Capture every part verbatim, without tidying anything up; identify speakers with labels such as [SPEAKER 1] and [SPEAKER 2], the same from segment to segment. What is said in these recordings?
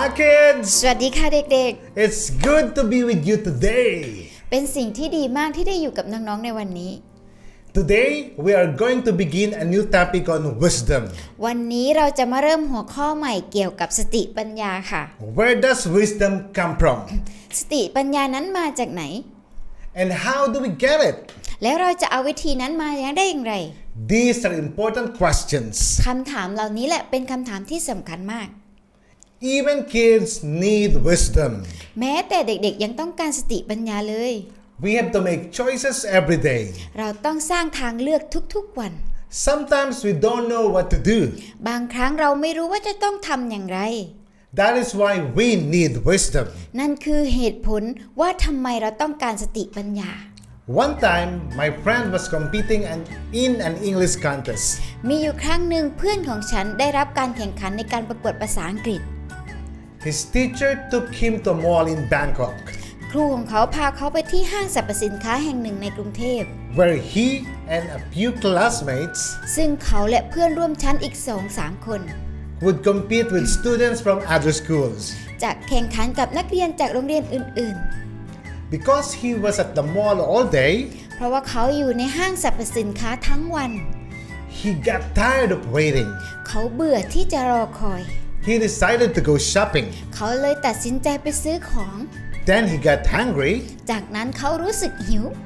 [SPEAKER 1] Hi kids
[SPEAKER 2] สวัสดีค่ะเด็ก
[SPEAKER 1] It's good to be with you today
[SPEAKER 2] ๆเป็นสิ่งที่ดีมากที่ได้อยู่กับน้องๆในวันนี้
[SPEAKER 1] Today we are going to begin a new topic on wisdom
[SPEAKER 2] วันนี้เราจะมาเริ่มหัวข้อใหม่เกี่ยวกับสติปัญญาค่ะ
[SPEAKER 1] Where does wisdom come from
[SPEAKER 2] สติปัญญานั้นมาจากไหน
[SPEAKER 1] and how do we get it
[SPEAKER 2] แล้วเราจะเอาวิธีนั้นมาได้อย่างไร
[SPEAKER 1] These are important questions
[SPEAKER 2] คำถามเหล่านี้แหละเป็นคำถามที่สำคัญมาก
[SPEAKER 1] Even kids need wisdom
[SPEAKER 2] แม้แต่เด็กๆยังต้องการสติปัญญาเลย
[SPEAKER 1] We have to make choices every day
[SPEAKER 2] เราต้องสร้างทางเลือกทุกๆวัน
[SPEAKER 1] Sometimes we don't know what to do
[SPEAKER 2] บางครั้งเราไม่รู้ว่าจะต้องทำอย่างไร
[SPEAKER 1] That is why we need wisdom
[SPEAKER 2] นั่นคือเหตุผลว่าทำไมเราต้องการสติปัญญา
[SPEAKER 1] One time my friend was competing in an English contest
[SPEAKER 2] มีอยู่ครั้งหนึ่งเพื่อนของฉันได้รับการแข่งขันในการประกวดภาษาอังกฤษ
[SPEAKER 1] His teacher took him to a mall in Bangkok
[SPEAKER 2] ครูของเขาพาเขาไปที่ห้างสรรพสินค้าแห่งหนึ่งในกรุงเทพ
[SPEAKER 1] where he and a few classmates
[SPEAKER 2] ซึ่งเขาและเพื่อนร่วมชั้นอีก สองสาม คน
[SPEAKER 1] would compete with students from other schools
[SPEAKER 2] จะแข่งขันกับนักเรียนจากโรงเรียนอื่น
[SPEAKER 1] because he was at the mall all day
[SPEAKER 2] ๆ เพราะว่าเขาอยู่ในห้างสรรพสินค้าทั้งวัน
[SPEAKER 1] he got tired of waiting
[SPEAKER 2] เขาเบื่อที่จะรอคอย
[SPEAKER 1] he decided to go shopping
[SPEAKER 2] เขาเลยตัดสินใจไปซื้อของ
[SPEAKER 1] then he got hungry
[SPEAKER 2] จากนั้นเขารู้สึกหิว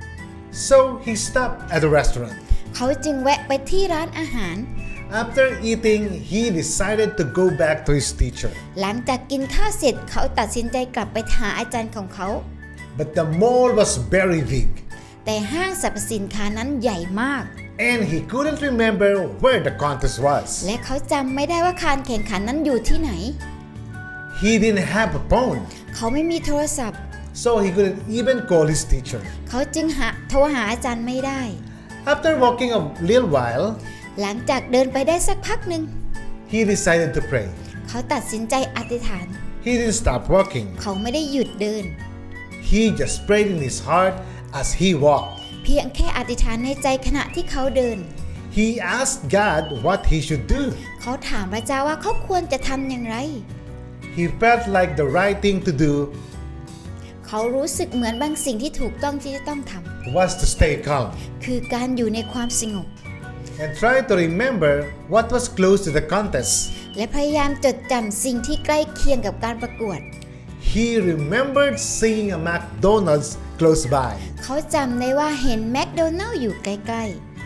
[SPEAKER 1] so he stopped at a restaurant
[SPEAKER 2] เขาจึงแวะไปที่ร้านอาหาร
[SPEAKER 1] after eating he decided to go back to his teacher
[SPEAKER 2] หลังจากกินข้าวเสร็จเขาตัดสินใจกลับไปหาอาจารย์ของเขา
[SPEAKER 1] but the mall was very big
[SPEAKER 2] แต่ห้างสรรพสินค้านั้นใหญ่มาก
[SPEAKER 1] and he couldn't remember where the contest was
[SPEAKER 2] และเขาจำไม่ได้ว่าการแข่งขันนั้นอยู่ที่ไหน
[SPEAKER 1] he didn't have a phone
[SPEAKER 2] เขาไม่มีโทรศัพท์
[SPEAKER 1] so he couldn't even call his teacher
[SPEAKER 2] เขาจึงหาโทรหาอาจารย์ไม่ได้
[SPEAKER 1] after walking a little while
[SPEAKER 2] หลังจากเดินไปได้สักพักหนึ่ง
[SPEAKER 1] he decided to pray
[SPEAKER 2] เขาตัดสินใจอธิษฐาน
[SPEAKER 1] he didn't stop walking
[SPEAKER 2] เขาไม่ได้หยุดเดิน
[SPEAKER 1] he just prayed in his heart as he walked
[SPEAKER 2] เพียงแค่อธิษฐานในใจขณะที่เขาเดิน
[SPEAKER 1] he asked God what he should do
[SPEAKER 2] เขาถามพระเจ้าว่าเขาควรจะทำอย่างไร
[SPEAKER 1] he felt like the right thing to do
[SPEAKER 2] เขารู้สึกเหมือนบางสิ่งที่ถูกต้องที่จะต้องท
[SPEAKER 1] was to stay calm
[SPEAKER 2] ำคือการอยู่ในความสงบ
[SPEAKER 1] and try to remember what was close to the contest
[SPEAKER 2] และพยายามจดจำสิ่งที่ใกล้เคียงกับการประกวด
[SPEAKER 1] he remembered seeing a McDonald's close by
[SPEAKER 2] เขาจำได้ว่าเห็นแมคโดนัลด์อยู่ใกล้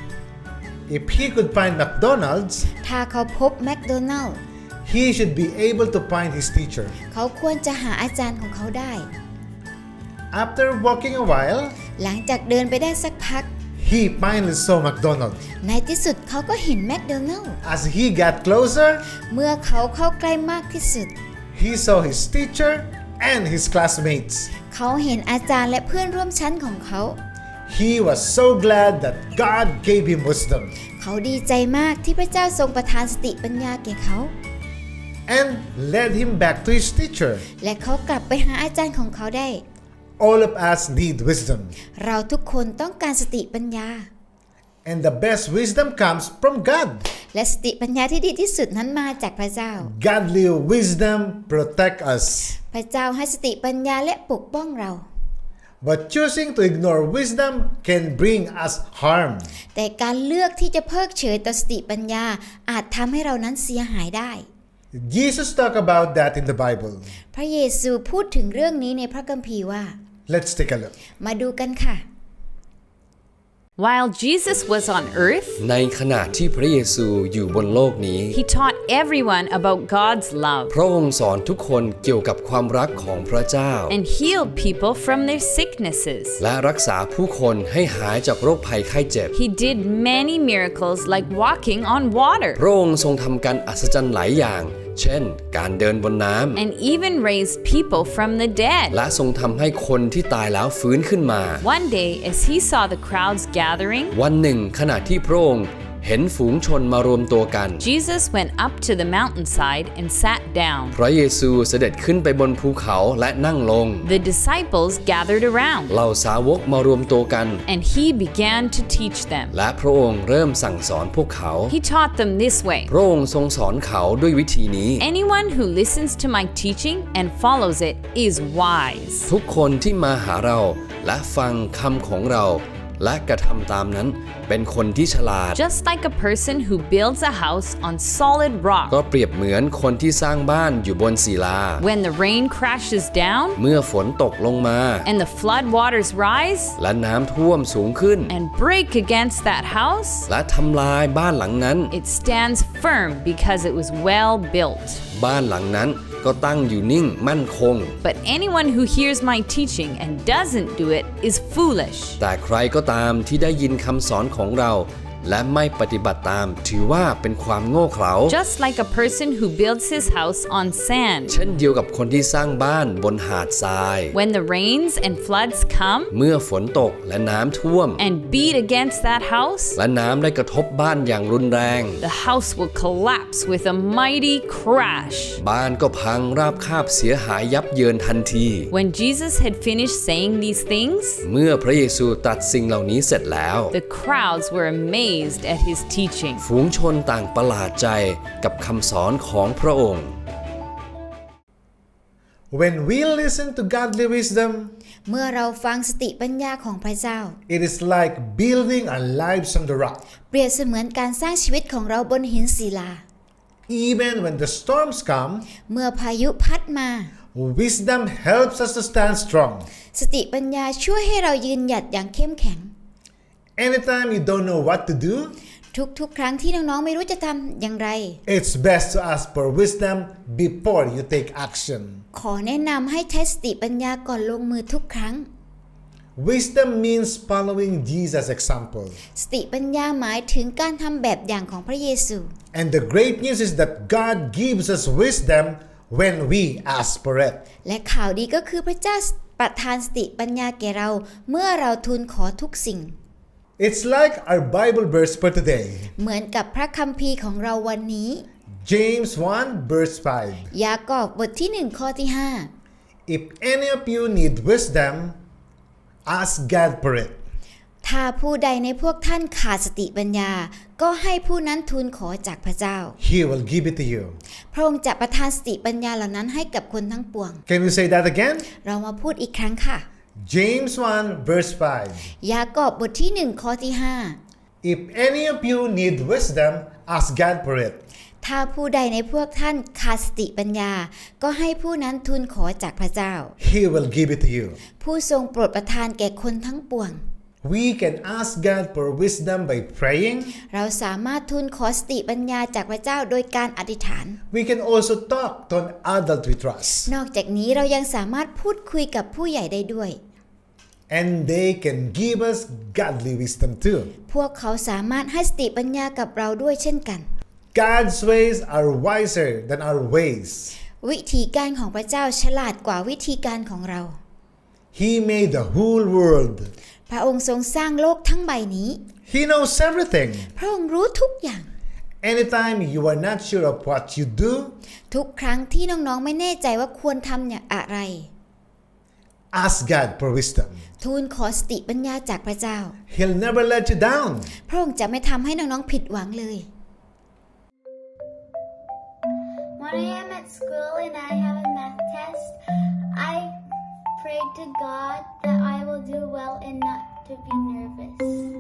[SPEAKER 1] if he could find McDonald's
[SPEAKER 2] ๆ ถ้าเขาพบแมคโดนัลด์
[SPEAKER 1] he should be able to find his teacher
[SPEAKER 2] เขาควรจะหาอาจารย์ของเขาได้
[SPEAKER 1] after walking a while
[SPEAKER 2] หลังจากเดินไปได้สักพัก
[SPEAKER 1] he finally saw McDonald's
[SPEAKER 2] ในที่สุดเขาก็เห็นแมคโดนัลด์
[SPEAKER 1] as he got closer
[SPEAKER 2] เมื่อเขาเข้าใกล้มากที่สุด
[SPEAKER 1] he saw his teacher and his classmates
[SPEAKER 2] เขาเห็นอาจารย์และเพื่อนร่วมชั้นของเขา
[SPEAKER 1] he was so glad that God gave him wisdom
[SPEAKER 2] เขาดีใจมากที่พระเจ้าทรงประทานสติปัญญาแก่เขา
[SPEAKER 1] and led him back to his teacher
[SPEAKER 2] และเขากลับไปหาอาจารย์ของเขาได้
[SPEAKER 1] all of us need wisdom
[SPEAKER 2] เราทุกคนต้องการสติปัญญา
[SPEAKER 1] and the best wisdom comes from God
[SPEAKER 2] และสติปัญญาที่ดีที่สุดนั้นมาจากพระเจ้า
[SPEAKER 1] godly wisdom protect us
[SPEAKER 2] พระเจ้าให้สติปัญญาและปกป้องเรา
[SPEAKER 1] but choosing to ignore wisdom can bring us harm
[SPEAKER 2] แต่การเลือกที่จะเพิกเฉยต่อสติปัญญาอาจทำให้เรานั้นเสียหายได้
[SPEAKER 1] Jesus talked about that in the Bible
[SPEAKER 2] พระเยซูพูดถึงเรื่องนี้ในพระคัมภีร์ว่า
[SPEAKER 1] let's take a look
[SPEAKER 2] มาดูกันค่ะ
[SPEAKER 3] While Jesus was on earth,
[SPEAKER 4] ในขณะที่พระเยซูอยู่บนโลกนี้
[SPEAKER 3] he taught everyone about God's love
[SPEAKER 4] พระองค์สอนทุกคนเกี่ยวกับความรักของพระเจ้า
[SPEAKER 3] and healed people from their sicknesses.
[SPEAKER 4] และรักษาผู้คนให้หายจากโรคภัยไข้เจ็บ
[SPEAKER 3] He did many miracles like walking on water
[SPEAKER 4] พระองค์ทรงทำการอัศจรรย์หลายอย่าง เช่น การเดินบนน้ำ
[SPEAKER 3] and even raised people from the dead.
[SPEAKER 4] และทรงทำให้คนที่ตายแล้วฟื้นขึ้นมา
[SPEAKER 3] One day, as he saw the crowds gathering,
[SPEAKER 4] วันหนึ่งขณะที่พระองค์เห็นฝูงชนมารวมตัวกัน
[SPEAKER 3] Jesus went up to the mountainside and sat down.
[SPEAKER 4] พระเยซูเสด็จขึ้นไปบนภูเขาและนั่งลง
[SPEAKER 3] The disciples gathered around,
[SPEAKER 4] เหล่าสาวกมารวมตัวกัน
[SPEAKER 3] and he began to teach them.
[SPEAKER 4] และพระองค์เริ่มสั่งสอนพวกเขา
[SPEAKER 3] He taught them this way:
[SPEAKER 4] พระองค์ทรงสอนเขาด้วยวิธีนี้
[SPEAKER 3] Anyone who listens to my teaching and follows it is wise.
[SPEAKER 4] ทุกคนที่มาหาเราและฟังคำของเราและกระทำตามนั้นเป็นคนที่ฉลาด
[SPEAKER 3] Just like a person who builds a house on solid
[SPEAKER 4] ก็
[SPEAKER 3] rock.
[SPEAKER 4] เปรียบเหมือนคนที่สร้างบ้านอยู่บนศิลา
[SPEAKER 3] When the rain crashes down
[SPEAKER 4] เมื่อฝนตกลงมา
[SPEAKER 3] and the flood waters rise
[SPEAKER 4] และน้ำท่วมสูงขึ้น
[SPEAKER 3] and break against that house,
[SPEAKER 4] และทำลายบ้านหลังนั้น
[SPEAKER 3] it stands firm because it was well built.
[SPEAKER 4] บ้านหลังนั้นก็ตั้งอยู่นิ่งมั่นคง
[SPEAKER 3] But anyone who hears my teaching and doesn't do it is foolish.
[SPEAKER 4] แต่ใครก็ตามที่ได้ยินคำสอนของเราและไม่ปฏิบัติตามถือว่าเป็นความโง่เขลา
[SPEAKER 3] Just like a person who builds his house on sand.
[SPEAKER 4] เช่นเดียวกับคนที่สร้างบ้านบนหาดทราย
[SPEAKER 3] When the rains and floods come
[SPEAKER 4] เมื่อฝนตกและน้ำท่วม
[SPEAKER 3] and beat against that house,
[SPEAKER 4] และน้ำได้กระทบบ้านอย่างรุนแรง
[SPEAKER 3] the house will collapse with a mighty crash.
[SPEAKER 4] บ้านก็พังราบคาบเสียหายยับเยินทันที
[SPEAKER 3] When Jesus had finished saying these things,
[SPEAKER 4] เมื่อพระเยซูตรัสสิ่งเหล่านี้เสร็จแล้ว
[SPEAKER 3] the crowds were amazed at his teaching.
[SPEAKER 4] ฝูงชนต่างประหลาดใจกับคำสอนของพระองค์
[SPEAKER 1] When we listen to godly wisdom,
[SPEAKER 2] เมื่อเราฟังสติปัญญาของพระเจ้า
[SPEAKER 1] it is like building our lives on the rock.
[SPEAKER 2] เปรียบเสมือนการสร้างชีวิตของเราบนหินศิลา
[SPEAKER 1] Even when the storms come,
[SPEAKER 2] เมื่อพายุพัดมา
[SPEAKER 1] wisdom helps us to stand strong.
[SPEAKER 2] สติปัญญาช่วยให้เรายืนหยัดอย่างเข้มแข็ง
[SPEAKER 1] Anytime you don't know what to do,
[SPEAKER 2] ทุกๆ ครั้งที่น้องๆไม่รู้จะทำอย่างไร
[SPEAKER 1] it's best to ask for wisdom before you take action.
[SPEAKER 2] ขอแนะนำให้ใช้สติปัญญาก่อนลงมือทุกครั้ง
[SPEAKER 1] Wisdom means following Jesus' example.
[SPEAKER 2] สติปัญญาหมายถึงการทำแบบอย่างของพระเยซู
[SPEAKER 1] And the great news is that God gives us wisdom when we ask for it.
[SPEAKER 2] และข่าวดีก็คือพระเจ้าประทานสติปัญญาแก่เราเมื่อเราทูลขอทุกสิ่ง
[SPEAKER 1] It's like our Bible verse for today.
[SPEAKER 2] เหมือนกับพระคัมภีร์ของเราวันนี้
[SPEAKER 1] James one verse five.
[SPEAKER 2] ยากอบบทที่หนึ่งข้อที่ห้า
[SPEAKER 1] If any of you need wisdom, ask God for it.
[SPEAKER 2] ถ้าผู้ใดในพวกท่านขาดสติปัญญาก็ให้ผู้นั้นทูลขอจากพระเจ้า
[SPEAKER 1] He will give it to you.
[SPEAKER 2] พระองค์จะประทานสติปัญญาเหล่านั้นให้กับคนทั้งปวง
[SPEAKER 1] Can we say that again?
[SPEAKER 2] เรามาพูดอีกครั้งค่ะ
[SPEAKER 1] James one verse five.
[SPEAKER 2] ยากอบบทที่หนึ่งข้อที่ห้า
[SPEAKER 1] If any of you need wisdom, ask God for it.
[SPEAKER 2] ถ้าผู้ใดในพวกท่านขาดสติปัญญาก็ให้ผู้นั้นทูลขอจากพระเจ้า
[SPEAKER 1] He will give it to you.
[SPEAKER 2] ผู้ทรงโปรดประทานแก่คนทั้งปวง
[SPEAKER 1] We can ask God for wisdom by praying.
[SPEAKER 2] เราสามารถทูลขอสติปัญญาจากพระเจ้าโดยการอธิษฐาน
[SPEAKER 1] We can also talk to an adult we trust.
[SPEAKER 2] นอกจากนี้เรายังสามารถพูดคุยกับผู้ใหญ่ได้ด้วย
[SPEAKER 1] And they can give us godly wisdom too.
[SPEAKER 2] พวกเขาสามารถให้สติปัญญากับเราด้วยเช่นกัน
[SPEAKER 1] God's ways are wiser than our ways.
[SPEAKER 2] วิธีการของพระเจ้าฉลาดกว่าวิธีการของเรา
[SPEAKER 1] He made the whole world.
[SPEAKER 2] พระองค์ทรงสร้างโลกทั้งใบนี้
[SPEAKER 1] He knows everything.
[SPEAKER 2] พระองค์รู้ทุกอย่าง
[SPEAKER 1] Anytime you are not sure of what you do,
[SPEAKER 2] ทุกครั้งที่น้องๆไม่แน่ใจว่าควรทำอย่างอะไร
[SPEAKER 1] ask God for wisdom.
[SPEAKER 2] ทูลขอสติปัญญาจากพระเจ้า
[SPEAKER 1] He'll never let you down.
[SPEAKER 2] พระองค์จะไม่ทำให้น้องๆผิดหวังเลย
[SPEAKER 5] When I am at school and I have a math test, I pray to God that I will do well and not to be nervous.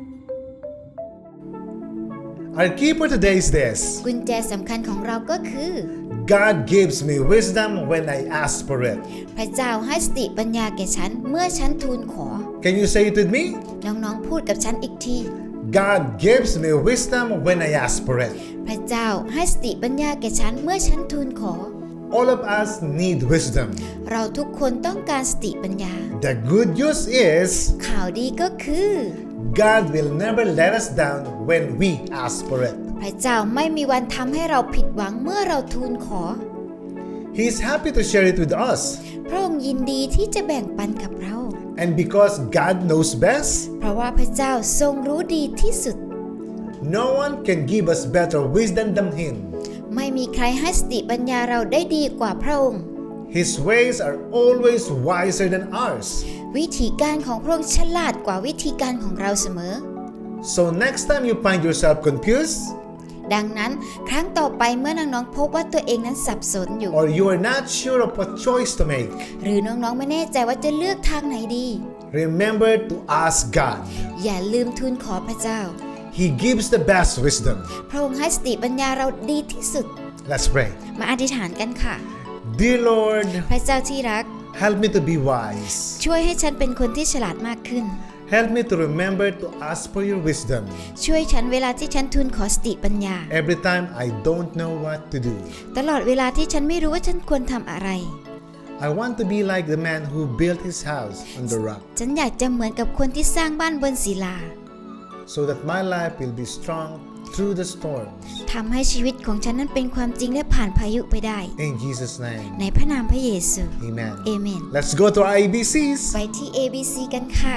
[SPEAKER 1] Our key for today is this.
[SPEAKER 2] กุญแจสำคัญของเราก็คือ
[SPEAKER 1] God gives me wisdom when I ask for it.
[SPEAKER 2] พระเจ้าให้สติปัญญาแก่ฉันเมื่อฉันทูลขอ
[SPEAKER 1] Can you say it with me?
[SPEAKER 2] น้องๆพูดกับฉันอีกที
[SPEAKER 1] God gives me wisdom when I ask for it.
[SPEAKER 2] พระเจ้าให้สติปัญญาแก่ฉันเมื่อฉันทูลขอ
[SPEAKER 1] All of us need wisdom.
[SPEAKER 2] เราทุกคนต้องการสติปัญญา
[SPEAKER 1] The good news is
[SPEAKER 2] ข่าวดีก็คือ
[SPEAKER 1] God will never let us down when we ask for it.
[SPEAKER 2] พระเจ้าไม่มีวันทำให้เราผิดหวังเมื่อเราทูลขอ
[SPEAKER 1] He is happy to share it with us.
[SPEAKER 2] พระองค์ยินดีที่จะแบ่งปันกับเรา
[SPEAKER 1] And because God knows best,
[SPEAKER 2] เพราะว่าพระเจ้าทรงรู้ดีที่สุด
[SPEAKER 1] No one can give us better wisdom than Him.
[SPEAKER 2] ไม่มีใครให้สติปัญญาเราได้ดีกว่าพระองค์
[SPEAKER 1] His ways are always wiser than ours.
[SPEAKER 2] วิธีการของพระองค์ฉลาดกว่าวิธีการของเราเสมอ
[SPEAKER 1] So next time you find yourself confused,
[SPEAKER 2] ดังนั้นครั้งต่อไปเมื่อน้องๆพบว่าตัวเองนั้นสับสนอยู่
[SPEAKER 1] or you are not sure of what choice to make,
[SPEAKER 2] หรือน้องๆไม่แน่ใจว่าจะเลือกทางไหนดี
[SPEAKER 1] remember to ask God.
[SPEAKER 2] อย่าลืมทูลขอพระเจ้า
[SPEAKER 1] He gives the best wisdom.
[SPEAKER 2] พระองค์ให้สติปัญญาเราดีที่สุด
[SPEAKER 1] Let's pray.
[SPEAKER 2] มาอธิษฐานกันค่ะ
[SPEAKER 1] Dear Lord,
[SPEAKER 2] พระเจ้าที่รัก
[SPEAKER 1] help me to be wise.
[SPEAKER 2] ช่วยให้ฉันเป็นคนที่ฉลาดมากขึ้น
[SPEAKER 1] Help me to remember to ask for your wisdom
[SPEAKER 2] ช่วยฉันเวลาที่ฉันทูลขอสติปัญญา
[SPEAKER 1] every time I don't know what to do.
[SPEAKER 2] ตลอดเวลาที่ฉันไม่รู้ว่าฉันควรทำอะไร
[SPEAKER 1] I want to be like the man who built his house on the rock,
[SPEAKER 2] ฉันอยากจะเหมือนกับคนที่สร้างบ้านบนศิลา
[SPEAKER 1] so that my life will be strong through the storms.
[SPEAKER 2] ทำให้ชีวิตของฉันนั้นเป็นความจริงและผ่านพายุไปได้
[SPEAKER 1] In Jesus' name,
[SPEAKER 2] ในพระนามพระเยซู
[SPEAKER 1] amen.
[SPEAKER 2] เอเมน
[SPEAKER 1] Let's go to our A B Cs.
[SPEAKER 2] ไปที่ เอ บี ซี กันค่ะ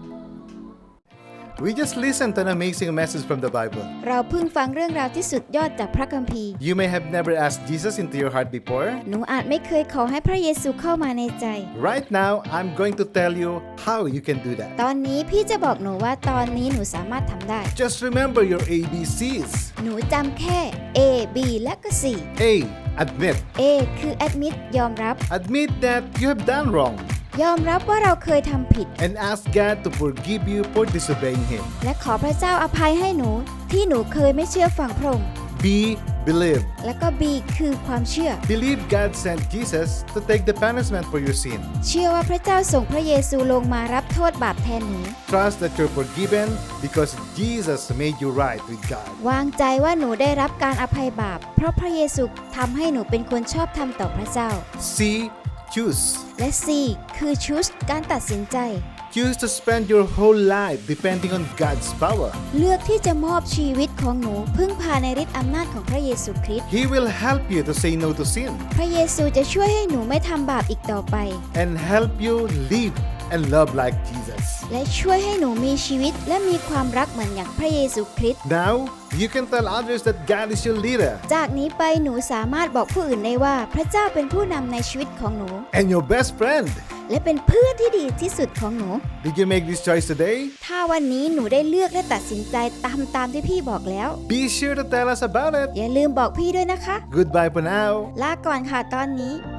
[SPEAKER 1] We just listened to an amazing message from the Bible.
[SPEAKER 2] เราเพิ่งฟังเรื่องราวที่สุดยอดจากพระคัมภีร์
[SPEAKER 1] You may have never asked Jesus into your heart before.
[SPEAKER 2] หนูอาจไม่เคยขอให้พระเยซูเข้ามาในใจ
[SPEAKER 1] Right now, I'm going to tell you how you can do that.
[SPEAKER 2] ตอนนี้พี่จะบอกหนูว่าตอนนี้หนูสามารถทำได้
[SPEAKER 1] Just remember your A B Cs.
[SPEAKER 2] หนูจำแค่ A B และก็ C
[SPEAKER 1] A. Admit.
[SPEAKER 2] A คือ admit ยอมรับ
[SPEAKER 1] Admit that you have done wrong
[SPEAKER 2] ยอมรับว่าเราเคยทำผิด
[SPEAKER 1] and ask God to forgive you for disobeying Him.
[SPEAKER 2] และขอพระเจ้าอภัยให้หนู ที่หนูเคยไม่เชื่อฟังพระองค์
[SPEAKER 1] B. Believe.
[SPEAKER 2] และก็ B คือความเชื่อ
[SPEAKER 1] Believe God sent Jesus to take the punishment for your sin.
[SPEAKER 2] เชื่อว่าพระเจ้าส่งพระเยซูลงมารับโทษบาปแทนหนู
[SPEAKER 1] Trust that you're forgiven because Jesus made you right with God.
[SPEAKER 2] วางใจว่าหนูได้รับการอภัยบาป เพราะพระเยซูทำให้หนูเป็นคนชอบธรรมต่อพระเจ้า
[SPEAKER 1] C. Choose.
[SPEAKER 2] และ C คือ choose การตัดสินใจ
[SPEAKER 1] Choose to spend your whole life depending on God's power.
[SPEAKER 2] เลือกที่จะมอบชีวิตของหนูพึ่งพาในฤทธิ์อำนาจของพระเยซูคริสต์
[SPEAKER 1] He will help you to say no to sin
[SPEAKER 2] พระเยซูจะช่วยให้หนูไม่ทำบาปอีกต่อไป
[SPEAKER 1] and help you live and love like Jesus.
[SPEAKER 2] และช่วยให้หนูมีชีวิตและมีความรักเหมือนอย่างพระเยซูคริสต์
[SPEAKER 1] Now, you can tell others that God is your leader
[SPEAKER 2] จากนี้ไปหนูสามารถบอกผู้อื่นได้ว่าพระเจ้าเป็นผู้นำในชีวิตของหนู
[SPEAKER 1] and your best friend.
[SPEAKER 2] และเป็นเพื่อนที่ดีที่สุดของหนู
[SPEAKER 1] Did you make this choice today?
[SPEAKER 2] ถ้าวันนี้หนูได้เลือกและตัดสินใจตามตามที่พี่บอกแล้ว
[SPEAKER 1] Be sure to tell us about it.
[SPEAKER 2] อย่าลืมบอกพี่ด้วยนะคะ
[SPEAKER 1] Goodbye for now.
[SPEAKER 2] ลาก่อนค่ะตอนนี้